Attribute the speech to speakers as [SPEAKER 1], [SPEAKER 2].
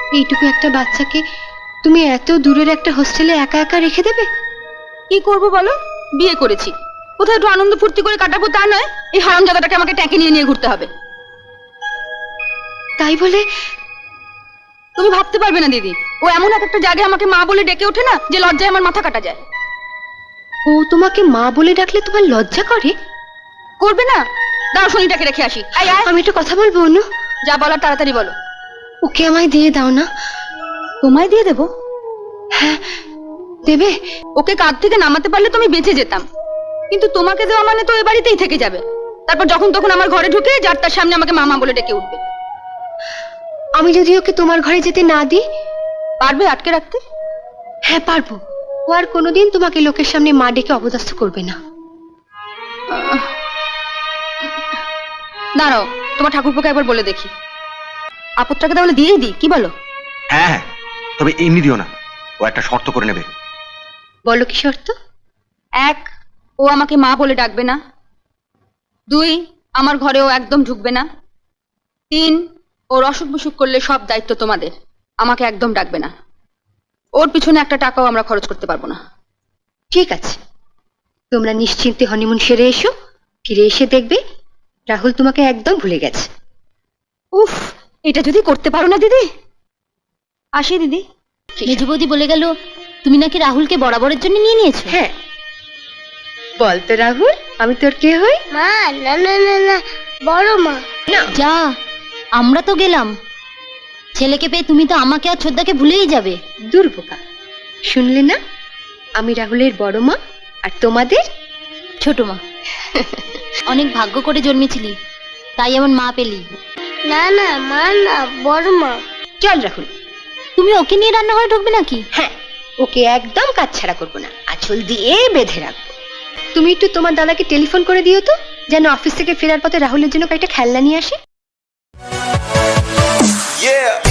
[SPEAKER 1] এইটুকু একটা বাচ্চাকে তুমি এত দূরের একটা হোস্টেলে একা একা রেখে দেবে?
[SPEAKER 2] কি করব বলো, বিয়ে করেছি, কোথায় একটু আনন্দ ফুর্তি করে কাটাবো তা নয়, এই হারামজাদাটাকে আমাকে ট্যাঁকে নিয়ে নিয়ে ঘুরতে হবে।
[SPEAKER 1] তাই বলে
[SPEAKER 2] তুমি ভাবতে পারবে না দিদি, ও এমন এক একটা জায়গায় আমাকে মা বলে ডেকে ওঠে না যে লজ্জায় আমার মাথা কাটা যায়।
[SPEAKER 1] ও তোমাকে মা বলে ডাকলে তোমার লজ্জা করে?
[SPEAKER 2] করবে না? দাঁড়াও শনিটাকে রেখে আসি। আয় আয়,
[SPEAKER 1] আমি একটু কথা বলবো অনু।
[SPEAKER 2] যা বলার তাড়াতাড়ি বলো।
[SPEAKER 1] ওকে আমায় দিয়ে দাও না।
[SPEAKER 2] তোমায় দিয়ে দেবো?
[SPEAKER 1] হ্যাঁ দেবে।
[SPEAKER 2] ওকে কাঁধ থেকে নামাতে পারলে তুমি বেঁচে যেতাম, কিন্তু তোমাকে দেওয়া মানে তো এ বাড়িতেই থেকে যাবে। তারপর যখন তখন আমার ঘরে ঢুকে যার তার সামনে আমাকে মামা বলে ডেকে উঠবে।
[SPEAKER 1] আমি যদি ওকে তোমার ঘরে যেতে না দিই?
[SPEAKER 2] পারবে আটকে রাখতে?
[SPEAKER 1] হ্যাঁ পারবো। ও আর কোনোদিন তোমাকে লোকের সামনে মা ডেকে অপদস্থ করবে না।
[SPEAKER 2] দাঁড়াও, তোমার ঠাকুরপোকে একবার বলে দেখি। আপদটাকে তাহলে দিয়েই দিই, কি বলো?
[SPEAKER 3] হ্যাঁ হ্যাঁ, তবে এমনি দিও না, ও একটা শর্ত করে নেবে।
[SPEAKER 1] বলো কি শর্ত?
[SPEAKER 2] 1, ও আমাকে মা বলে ডাকবে না। 2, আমার ঘরে ও একদম ঢুকবে না। 3, ওর অসুখ বিসুখ করলে সব দায়িত্ব তোমাদের, আমাকে একদম ডাকবে না। ওর পিছনে একটা টাকাও আমরা খরচ করতে পারবো না।
[SPEAKER 1] ঠিক আছে, তোমরা নিশ্চিন্তে হনিমুন সেরে এসো। ফিরে এসে দেখবে রাহুল তোমাকে একদম ভুলে গেছে।
[SPEAKER 2] উফ, এটা যদি করতে পারো না দিদি। আসি দিদি।
[SPEAKER 4] মেজো বৌদি বলে গেল তুমি নাকি রাহুলকে বরাবরের জন্য নিয়ে নিয়েছো।
[SPEAKER 1] হ্যাঁ, বল তো রাহুল, আমি তোর কে হই?
[SPEAKER 4] মা না না না না, বড় মা।
[SPEAKER 1] না
[SPEAKER 4] যা, আমরা তো গেলাম। ছেলেকে পেয়ে তুমি তো আমাকে আর ছোদ্দাকে ভুলেই যাবে।
[SPEAKER 1] দুর্বোকা, শুনলে না? আমি রাহুলের বড় মা আর তোমাদের
[SPEAKER 4] ছোট মা। অনেক ভাগ্য করে জন্মেছিলি, তাই এমন মা পেলি। না না মা না, বড় মা।
[SPEAKER 1] চল রাহুল।
[SPEAKER 4] তুমি ওকে নিয়ে রান্নাঘরে ঢুকবে নাকি?
[SPEAKER 1] হ্যাঁ, ওকে একদম কাজ ছাড়া করবো না, আঁচল দিয়ে বেঁধে রাখবো। তুমি একটু তোমার দাদাকে টেলিফোন করে দিও তো, যেন অফিস থেকে ফেরার পথে রাহুলের জন্য কয়েকটা খেলনা নিয়ে আসে।
[SPEAKER 5] Yeah.